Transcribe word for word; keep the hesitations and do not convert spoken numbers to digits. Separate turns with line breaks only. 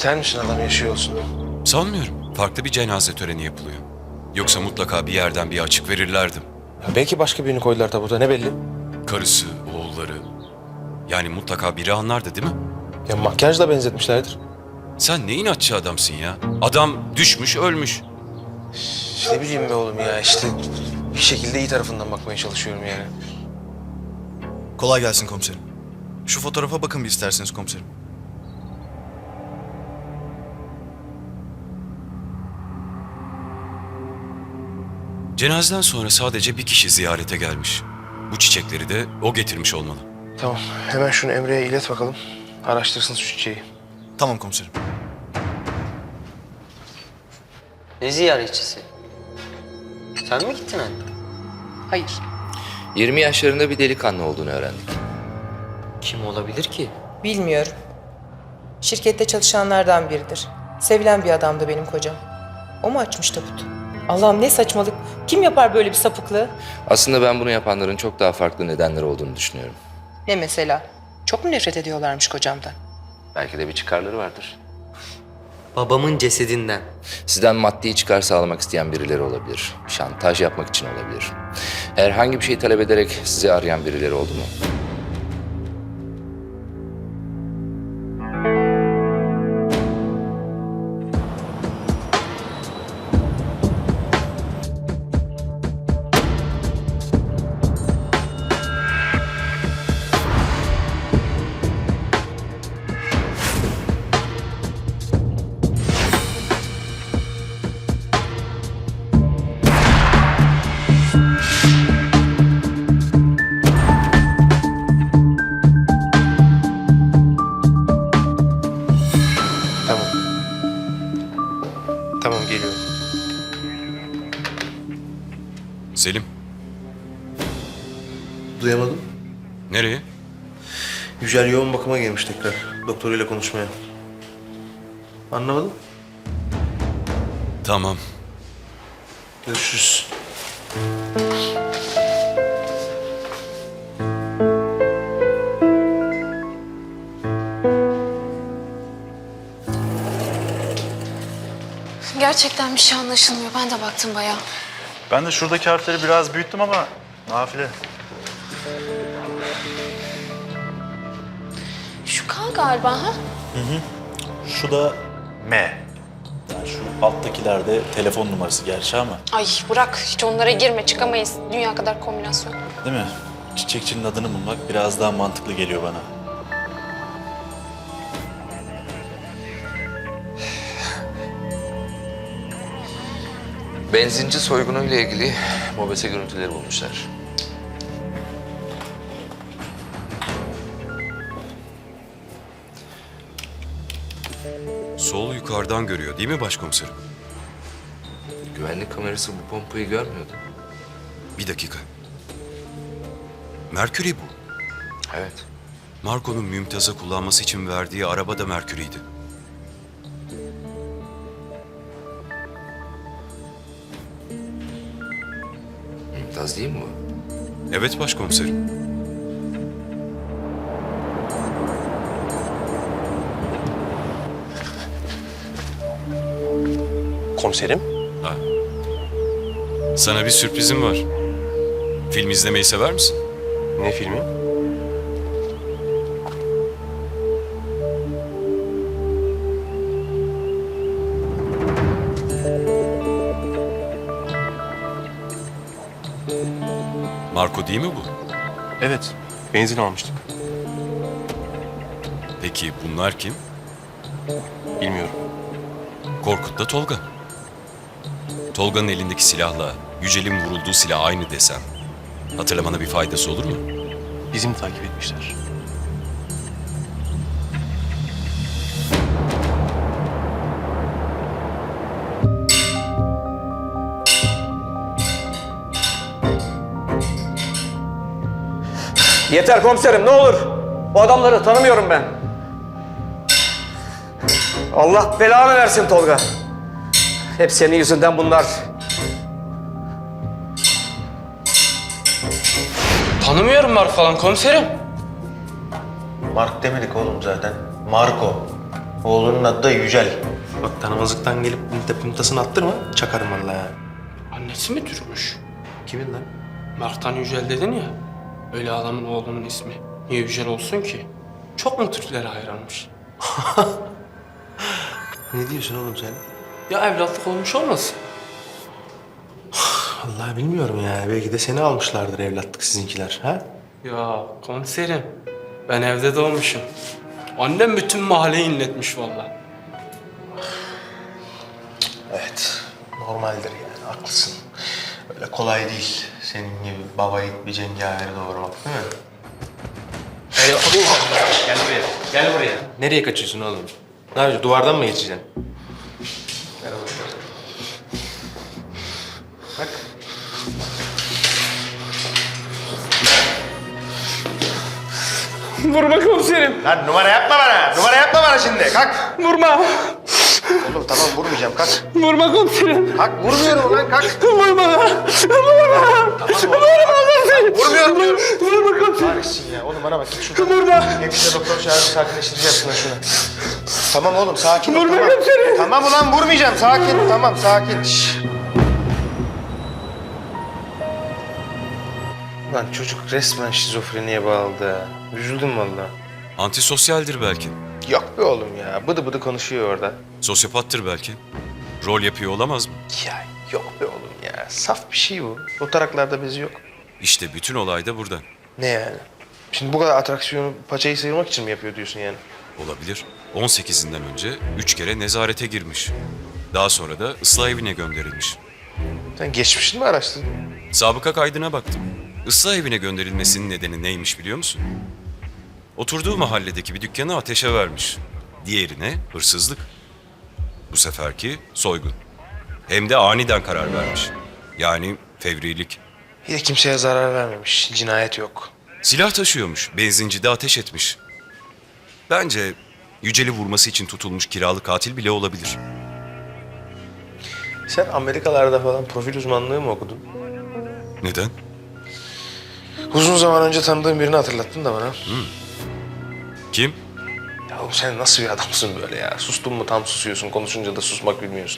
İster misin adam yaşıyor olsun?
Sanmıyorum. Farklı bir cenaze töreni yapılıyor. Yoksa mutlaka bir yerden bir açık verirlerdi.
Ya belki başka birini koydular tabuta, ne belli?
Karısı, oğulları. Yani mutlaka biri anlardı değil mi?
Ya makyajla benzetmişlerdir.
Sen ne inatçı adamsın ya. Adam düşmüş, ölmüş.
Ne bileyim be oğlum ya, işte bir şekilde iyi tarafından bakmaya çalışıyorum yani.
Kolay gelsin komiserim. Şu fotoğrafa bakın bir isterseniz komiserim.
Cenazeden sonra sadece bir kişi ziyarete gelmiş. Bu çiçekleri de o getirmiş olmalı.
Tamam, hemen şunu Emre'ye ilet bakalım. Araştırsın şu çiçeği.
Tamam komiserim.
Ne ziyaretçisi? Sen mi gittin anne?
Hayır.
yirmi yaşlarında bir delikanlı olduğunu öğrendik.
Kim olabilir ki?
Bilmiyorum. Şirkette çalışanlardan biridir. Sevilen bir adamdı benim kocam. O mu açmış tabutu? Allah'ım ne saçmalık. Kim yapar böyle bir sapıklığı?
Aslında ben bunu yapanların çok daha farklı nedenleri olduğunu düşünüyorum.
Ne mesela? Çok mu nefret ediyorlarmış kocamdan?
Belki de bir çıkarları vardır.
Babamın cesedinden.
Sizden maddi çıkar sağlamak isteyen birileri olabilir. Şantaj yapmak için olabilir. Herhangi bir şey talep ederek sizi arayan birileri oldu mu?
Tamam. Tamam, geliyorum.
Selim,
Duyamadım.
nereye?
Yücel yoğun bakıma girmiş tekrar. Doktoruyla konuşmaya. Anlamadım.
Tamam.
Görüşürüz.
Gerçekten bir şey anlaşılmıyor. Ben de baktım bayağı.
Ben de şuradaki harfleri biraz büyüttüm ama nafile.
Şu K galiba ha?
Şu da M. Yani şu alttakilerde telefon numarası gerçi ama
Ay bırak, hiç onlara girme, çıkamayız. Dünya kadar kombinasyon.
değil mi? Çiçekçinin adını bulmak biraz daha mantıklı geliyor bana.
Benzinci soygunuyla ilgili mobese görüntüleri bulmuşlar.
Sol yukarıdan görüyor değil mi başkomiserim?
Güvenlik kamerası bu pompayı görmüyordu.
Bir dakika. Merkür'ü bu.
Evet.
Marco'nun Mümtaz'a kullanması için verdiği araba da Merkür'üydü.
Mümtaz değil mi bu?
Evet başkomiserim.
Komiserim.
Ha. Sana bir sürprizim var. Film izlemeyi sever misin?
Ne filmi?
Marco değil mi bu?
Evet. Benzin almıştık.
Peki bunlar kim?
Bilmiyorum.
Korkut'la Tolga. Tolga'nın elindeki silahla Yücel'in vurulduğu silah aynı desem, hatırlamana bir faydası olur mu?
Bizi mi takip etmişler?
Yeter komiserim, ne olur. Bu adamları tanımıyorum ben. Allah belanı versin Tolga. Hep senin yüzünden bunlar.
Tanımıyorum Mark falan komiserim.
Mark demedik oğlum zaten. Marco. Oğlunun adı da Yücel. Bak tanımazlıktan gelip pımta pımtasını attırma, çakarım vallahi ya.
Annesi mi Türkmüş?
Kimin lan?
Mertan Yücel dedin ya. Öyle adamın oğlunun ismi. Niye Yücel olsun ki? Çok mu Türklere hayranmış?
Ne diyorsun oğlum sen?
Ya evlatlık olmuş olmasın?
Vallahi bilmiyorum ya. Belki de seni almışlardır evlatlık sizinkiler, ha?
Ya komiserim, ben evde doğmuşum. Annem bütün mahalleyi inletmiş vallahi.
Evet, normaldir yani, haklısın. Öyle kolay değil senin gibi baba yiğit bir cengaveri doğurmak, değil mi? Gel, gel buraya, gel buraya. Nereye kaçıyorsun oğlum? Ne yapacaksın, duvardan mı geçeceksin? Gel bakalım. Bak.
Vurma komiserim,
Lan numara yapma bana, numara yapma bana şimdi, kalk.
vurma.
Oğlum tamam vurmayacağım, kalk.
Vurma komiserim.
Kalk, vurmuyorum lan, kalk.
Vurma. Vurma. Vurma komiserim.
Vurmuyorum diyorum.
Vurma komiserim.
Kahretsin ya, oğlum bana bak, git şuradan.
Vurma.
Hemşire doktor çağırıp sakinleştireceğim şuna şunu. Tamam oğlum, sakin ol,
Vurma
tamam.
komiserim.
Tamam ulan, vurmayacağım, sakin, tamam, sakin. Şşş. Lan çocuk resmen şizofreniye bağladı ha. Üzüldüm valla.
Antisosyaldir belki.
Yok be oğlum ya, bıdı bıdı konuşuyor orada.
Sosyopattır belki. Rol yapıyor olamaz mı?
Ya yok be oğlum ya, saf bir şey bu. O taraklarda bezi yok.
İşte bütün olay da burada.
Ne yani? Şimdi bu kadar atraksiyonu paçayı sıyırmak için mi yapıyor diyorsun yani?
Olabilir. on sekizinden önce üç kere nezarete girmiş. Daha sonra da ıslah evine gönderilmiş.
Sen geçmişini mi araştırdın?
Sabıka kaydına baktım. Islah evine gönderilmesinin nedeni neymiş biliyor musun? Oturduğu mahalledeki bir dükkanı ateşe vermiş. Diğerine hırsızlık. Bu seferki soygun. Hem de aniden karar vermiş. Yani fevrilik.
Bir de kimseye zarar vermemiş, cinayet yok.
Silah taşıyormuş, benzincide ateş etmiş. Bence Yücel'i vurması için tutulmuş kiralık katil bile olabilir.
Sen Amerikalarda falan profil uzmanlığı mı okudun?
Neden?
Uzun zaman önce tanıdığım birini hatırlattın da bana.
Kim?
Ya oğlum sen nasıl bir adamsın böyle ya? Sustun mu tam susuyorsun, konuşunca da susmak bilmiyorsun.